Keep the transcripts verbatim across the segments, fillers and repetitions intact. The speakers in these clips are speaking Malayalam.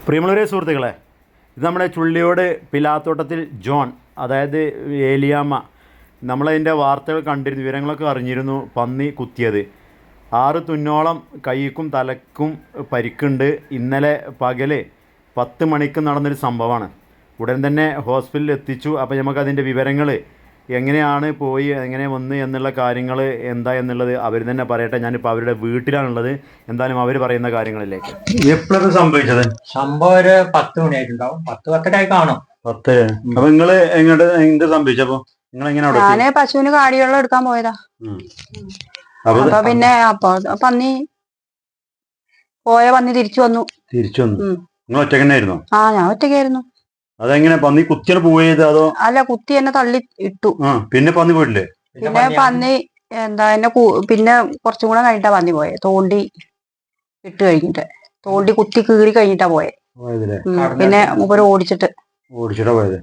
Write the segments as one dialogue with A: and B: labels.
A: പ്രിയമുള്ളവരെ സുഹൃത്തുക്കളെ, ഇത് നമ്മുടെ ചുള്ളിയോട് പിലാത്തോട്ടത്തിൽ ജോൺ, അതായത് ഏലിയാമ്മ, നമ്മളതിൻ്റെ വാർത്തകൾ കണ്ടിരുന്നു, വിവരങ്ങളൊക്കെ അറിഞ്ഞിരുന്നു. പന്നി കുത്തിയത് ആറ് തുന്നോളം കൈക്കും തലക്കും പരിക്കുണ്ട്. ഇന്നലെ പകല് പത്ത് മണിക്ക് നടന്നൊരു സംഭവമാണ്. ഉടൻ തന്നെ ഹോസ്പിറ്റലിൽ എത്തിച്ചു. അപ്പോൾ നമുക്കതിൻ്റെ വിവരങ്ങൾ എങ്ങനെയാണ് പോയി എങ്ങനെ വന്ന് എന്നുള്ള കാര്യങ്ങൾ എന്താ എന്നുള്ളത് അവർ തന്നെ പറയട്ടെ. ഞാനിപ്പോൾ അവരുടെ വീട്ടിലാണുള്ളത്. എന്തായാലും അവർ പറയുന്ന കാര്യങ്ങളിലേക്ക്. എപ്പോഴൊക്കെ സംഭവിച്ചത്?
B: സംഭവം ഒരു പത്ത് മണിയായിട്ടുണ്ടാവും, പത്ത് പത്തരായി കാണും.
A: പത്ത്. അപ്പൊ നിങ്ങള് എങ്ങോട്ട് എന്ത് സംഭവിച്ചപ്പോ നിങ്ങൾ എങ്ങനെ?
C: ഞാന് പശുവിന് കാടിവെള്ളം എടുക്കാൻ പോയതാ. അപ്പൊ പിന്നെ അപ്പൊ പന്നി പോയ പന്നി തിരിച്ചു വന്നു.
A: തിരിച്ചു വന്നു. നിങ്ങൾ ഒറ്റക്കന്നായിരുന്നോ?
C: ആ, ഞാൻ ഒറ്റയ്ക്കായിരുന്നു.
A: അതെങ്ങനെ പന്നി കുത്തിയാണ് പോയത് അതോ?
C: അല്ല, കുത്തി എന്നെ തള്ളി ഇട്ടു.
A: പിന്നെ പന്നി പോയിട്ടില്ലേ?
C: പിന്നെ പന്നി എന്താ എന്നെ പിന്നെ കുറച്ചും കൂടെ കഴിഞ്ഞിട്ടാ പന്നി പോയെ. തോണ്ടി ഇട്ട് കഴിഞ്ഞിട്ട്, തോണ്ടി കുത്തി കീറി കഴിഞ്ഞിട്ടാ പോയെ. പിന്നെ മൂപ്പര് ഓടിച്ചിട്ട്
A: ഓടിച്ചിട്ടാ പോയത്.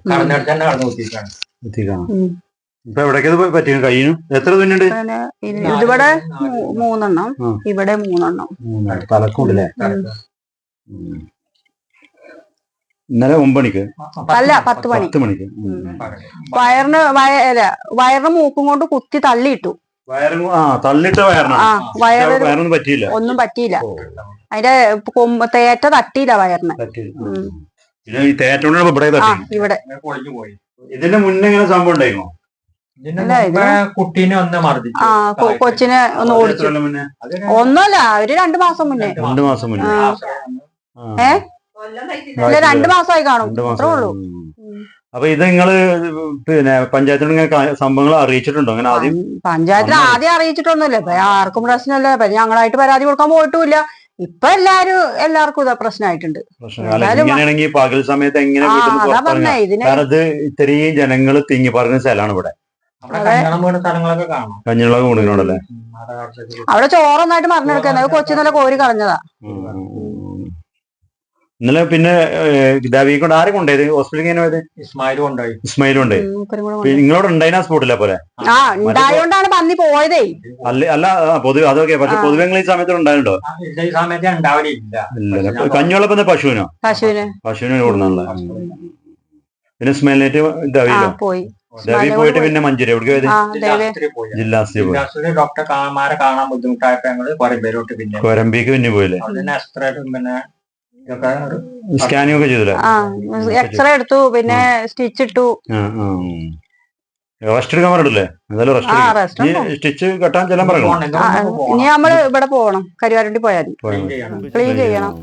A: ഇപ്പൊ എവിടേക്കത് പറ്റിയ കയ്യിനും? എത്ര തുന്നുണ്ട്?
C: ഇതിവിടെ മൂന്നെണ്ണം, ഇവിടെ മൂന്നെണ്ണം.
A: തലക്കൂടല്ലേ? ഇന്നലെ ഒമ്പണിക്ക്
C: അല്ല, പത്ത് മണി
A: പത്ത് മണിക്ക്
C: വയറിന് വയറ വയറിന് മൂക്കും കൊണ്ട് കുത്തി തള്ളിയിട്ടു.
A: വയറും ആ തള്ളിട്ട വയറിന്
C: ആ വയറ്
A: വയറൊന്നും പറ്റിയില്ല.
C: ഒന്നും പറ്റിയില്ല. അതിന്റെ കൊമ്പ് തേറ്റ തട്ടിയില്ല വയറിന്. ഇവിടെ
A: ഇതിന്റെ മുന്നേ ഇങ്ങനെ സംഭവം ഉണ്ടായിരുന്നോ?
B: കുട്ടീനെ ഒന്ന് മർദ്ദിച്ചു.
C: ആ, കൊച്ചിനെ ഒന്ന് ഓടിച്ചു. ഒന്നുമല്ല, ഒരു രണ്ടു മാസം മുന്നേ.
A: രണ്ടു മാസം മുന്നേ
C: ഏ അല്ല, രണ്ടു മാസമായി കാണും, അത്രേ ഉള്ളൂ.
A: അപ്പൊ ഇത് നിങ്ങള് പിന്നെ പഞ്ചായത്തിനോട് ഇങ്ങനെ സംഭവങ്ങൾ അറിയിച്ചിട്ടുണ്ടോ? അങ്ങനെ ആദ്യം
C: പഞ്ചായത്തിൽ ആദ്യം അറിയിച്ചിട്ടൊന്നുമില്ല. ഇപ്പൊ ആർക്കും പ്രശ്നമില്ല. ഇപ്പൊ ഞങ്ങളായിട്ട് പരാതി കൊടുക്കാൻ പോയിട്ടുമില്ല. ഇപ്പൊ എല്ലാരും എല്ലാവർക്കും ഇതാ പ്രശ്നമായിട്ടുണ്ട്.
A: പകൽ സമയത്ത് എങ്ങനെ ഇത് ഇത്രയും ജനങ്ങൾ തിങ്ങി പറഞ്ഞ സ്ഥലമാണ് ഇവിടെ. കഞ്ഞിളൊക്കെ കൊടുക്കണോടല്ലേ?
C: അവിടെ ചോറൊന്നായിട്ട് മറിഞ്ഞെടുക്കുന്നത് കൊച്ചു നല്ല കോരി കളഞ്ഞതാ.
A: ഇന്നലെ പിന്നെ കൊണ്ട് ആരെ കൊണ്ടുപോയത് ഹോസ്പിറ്റലിൽ?
B: ഇസ്മായിലും ഉണ്ടായി.
A: ഇസ്മായിലും ഉണ്ടായി. നിങ്ങളോട് ഉണ്ടായിനാ സ്പോട്ടില്ല പോലെ?
C: ആ, ഉണ്ടായോണ്ടാണ് പന്നി പോയതേ.
A: അല്ല അല്ല പൊതുവെ അതൊക്കെ. പക്ഷെ പൊതുവെ ഈ സമയത്ത് ഉണ്ടായിട്ടുണ്ടോ?
B: ഈ സമയത്ത് ഉണ്ടാവില്ല.
A: കഞ്ഞോളപ്പം പശുവിനോ?
C: പശുവിന്
A: പശുവിനെ കൊടുക്കണല്ലോ. പിന്നെ സ്മെല്ലിനേറ്റ് ദവിയിലോ?
C: പോയി.
A: ദവി പോയിട്ട് പിന്നെ മഞ്ചേരി എവിടെ പോയത്? ജില്ലാ ആശുപത്രി.
B: ഡോക്ടർമാരെ കാണാൻ ബുദ്ധിമുട്ടായപ്പോ ഞങ്ങള് കൊരമ്പേരോട്ട് പിന്നെ
A: കൊരമ്പിക്ക് പിന്നെ പോയില്ലേ?
B: പിന്നെ
A: സ്കാനിങ് ഒക്കെ ചെയ്തില്ലേ?
C: എക്സ്റേ എടുത്തു, പിന്നെ സ്റ്റിച്ച് ഇട്ടു.
A: റെസ്റ്റ് എടുക്കാൻ പറഞ്ഞില്ലേ? എന്തായാലും സ്റ്റിച്ച് കെട്ടാൻ ചെല്ലാൻ പറയണോ?
C: ഇനി നമ്മള് ഇവിടെ പോകണം, കരുവാരുണ്ടി പോയാൽ ക്ലീൻ ചെയ്യണം.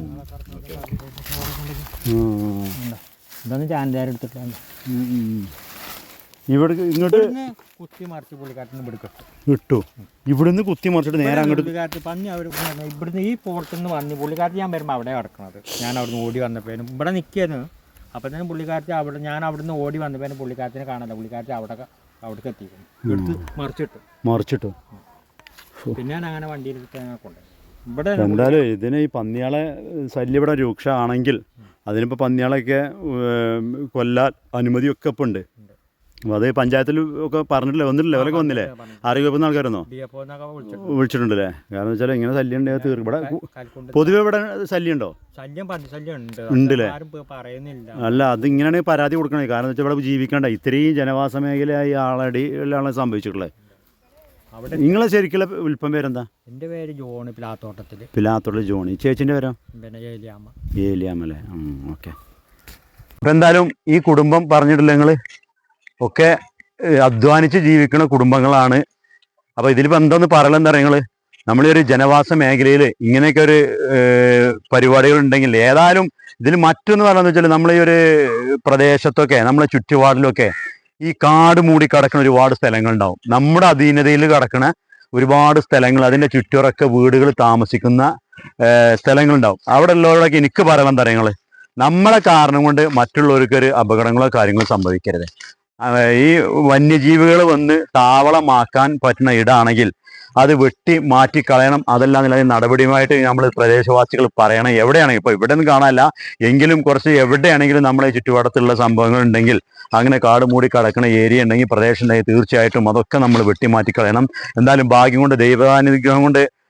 A: ഇവിടെ ഇങ്ങോട്ട്
B: കുത്തി മറിച്ച് പുള്ളിക്കാട്ടിന് പിടിക്കട്ടു
A: ഇട്ടു. ഇവിടുന്ന് കുത്തി മറിച്ചിട്ട് നേരെ അങ്ങോട്ട്
B: പന്നി അവർ ഇവിടുന്ന് ഈ പോർത്തുനിന്ന് വന്ന് പുള്ളിക്കാരത്തി ഞാൻ വരുമ്പോൾ അവിടെ കിടക്കണത്. ഞാൻ അവിടുന്ന് ഓടി വന്നപ്പോഴും ഇവിടെ നിൽക്കുന്നു. അപ്പം തന്നെ പുള്ളിക്കാരത്തി അവിടെ ഞാൻ അവിടുന്ന് ഓടി വന്നപ്പോഴും പുള്ളിക്കാരത്തിനെ കാണാല്ല. പുള്ളിക്കാരത്തി അവിടെ അവിടേക്ക് എത്തിക്കുന്നു. എടുത്ത് മറിച്ചിട്ടു
A: മറിച്ചിട്ടു
B: പിന്നെ ഞാൻ അങ്ങനെ വണ്ടിയിൽ കൊണ്ടുപോയി. ഇവിടെ
A: എന്തായാലും ഇതിന് ഈ പന്നിയാളെ ശല്യം ഇവിടെ രൂക്ഷമാണെങ്കിൽ അതിനിപ്പോൾ പന്നിയാളൊക്കെ കൊല്ലാൻ അനുമതിയൊക്കെ ഇപ്പം ഉണ്ട്. അപ്പോൾ അത് പഞ്ചായത്തിൽ ഒക്കെ പറഞ്ഞിട്ടില്ലേ? വന്നിട്ടില്ലേ? അവരൊക്കെ വന്നില്ലേ? ആരോഗ്യവകുപ്പിൽ നിന്ന് ആൾക്കാരെന്നോ വിളിച്ചിട്ടുണ്ടല്ലേ? കാരണം വെച്ചാൽ ഇങ്ങനെ ശല്യം ഉണ്ടെങ്കിൽ തീർക്കും. ഇവിടെ പൊതുവെ ഇവിടെ ശല്യം ഉണ്ടോ? ഉണ്ടല്ലേ? അല്ല, അത് ഇങ്ങനെയാണ് പരാതി കൊടുക്കണേ. കാരണം വെച്ചാൽ ഇവിടെ ജീവിക്കണ്ട ഇത്രയും ജനവാസ മേഖലയായി ആളടി എല്ലാം സംഭവിച്ചിട്ടുള്ളത്. നിങ്ങളെ ശരിക്കുള്ള വിൽപ്പം പേരെന്താ?
B: എൻ്റെ പേര് ജോണി. പിലാത്തോട്ടത്തിൽ
A: പിലാത്തോട്ടത്തിൽ ജോണി. ചേച്ചിൻ്റെ പേരോ?
B: പിന്നെ ഏലിയാമ്മ.
A: ഏലിയാമ്മ അല്ലേ? ഓക്കെ. അപ്പം എന്തായാലും ഈ കുടുംബം പറഞ്ഞിട്ടില്ല, നിങ്ങൾ ഒക്കെ അധ്വാനിച്ച് ജീവിക്കുന്ന കുടുംബങ്ങളാണ്. അപ്പോൾ ഇതിലിപ്പോൾ എന്താന്ന് പറയലെന്താ പറയുക? നിങ്ങൾ നമ്മളൊരു ജനവാസ മേഖലയിൽ ഇങ്ങനെയൊക്കെ ഒരു പരിപാടികൾ ഉണ്ടെങ്കിൽ ഏതായാലും ഇതിൽ മറ്റൊന്ന് പറയുന്നത് വെച്ചാൽ നമ്മൾ ഈ ഒരു പ്രദേശത്തൊക്കെ നമ്മളെ ചുറ്റുപാടിലൊക്കെ ഈ കാട് മൂടി കിടക്കുന്ന ഒരുപാട് സ്ഥലങ്ങളുണ്ടാവും. നമ്മുടെ അധീനതയിൽ കിടക്കുന്ന ഒരുപാട് സ്ഥലങ്ങൾ, അതിൻ്റെ ചുറ്റുറൊക്കെ വീടുകൾ താമസിക്കുന്ന സ്ഥലങ്ങളുണ്ടാവും. അവിടെ ഉള്ളവരൊക്കെ എനിക്ക് പറയണം എന്താ പറയുക? നമ്മളെ കാരണം കൊണ്ട് മറ്റുള്ളവർക്കൊരു അപകടങ്ങളോ കാര്യങ്ങളോ സംഭവിക്കരുത്. ഈ വന്യജീവികൾ വന്ന് താവളമാക്കാൻ പറ്റുന്ന ഇടാണെങ്കിൽ അത് വെട്ടി മാറ്റിക്കളയണം. അതെല്ലാം നില നടപടിയുമായിട്ട് നമ്മൾ പ്രദേശവാസികൾ പറയണം. എവിടെയാണെങ്കിൽ ഇപ്പോൾ ഇവിടെ ഒന്നും കാണാനില്ല എങ്കിലും കുറച്ച് എവിടെയാണെങ്കിലും നമ്മളെ ചുറ്റുപാടത്തുള്ള സംഭവങ്ങൾ ഉണ്ടെങ്കിൽ, അങ്ങനെ കാട് മൂടി കിടക്കുന്ന ഏരിയ ഉണ്ടെങ്കിൽ, പ്രദേശം ഉണ്ടെങ്കിൽ തീർച്ചയായിട്ടും അതൊക്കെ നമ്മൾ വെട്ടി മാറ്റിക്കളയണം. എന്തായാലും ഭാഗ്യം കൊണ്ട് ദൈവാനുഗ്രഹം കൊണ്ട്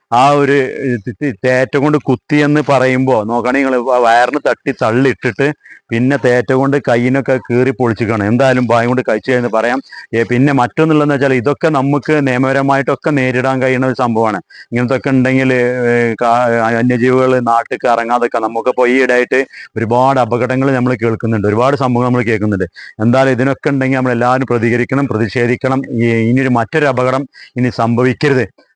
A: ആ ഒരു തേറ്റ കൊണ്ട് കുത്തി എന്ന് പറയുമ്പോൾ നോക്കുകയാണെങ്കിൽ നിങ്ങൾ വയറിന് തട്ടി തള്ളിയിട്ടിട്ട് പിന്നെ തേറ്റ കൊണ്ട് കയ്യിനൊക്കെ കീറി പൊളിച്ചിക്കണം. എന്തായാലും ഭയം കൊണ്ട് കഴിച്ചു എന്ന് പറയാം. ഏ, പിന്നെ മറ്റൊന്നുള്ളതെന്ന് വെച്ചാൽ ഇതൊക്കെ നമുക്ക് നിയമപരമായിട്ടൊക്കെ നേരിടാൻ കഴിയുന്ന ഒരു സംഭവമാണ്. ഇങ്ങനത്തെ ഒക്കെ ഉണ്ടെങ്കിൽ വന്യജീവികൾ നാട്ടിൽ ഇറങ്ങാതൊക്കെ നമുക്കിപ്പോൾ ഈ ഇടയായിട്ട് ഒരുപാട് അപകടങ്ങൾ നമ്മൾ കേൾക്കുന്നുണ്ട്, ഒരുപാട് സംഭവങ്ങൾ നമ്മൾ കേൾക്കുന്നുണ്ട്. എന്തായാലും ഇതിനൊക്കെ ഉണ്ടെങ്കിൽ നമ്മൾ എല്ലാവരും പ്രതികരിക്കണം, പ്രതിഷേധിക്കണം. ഈ ഇനിയൊരു മറ്റൊരു അപകടം ഇനി സംഭവിക്കരുത്.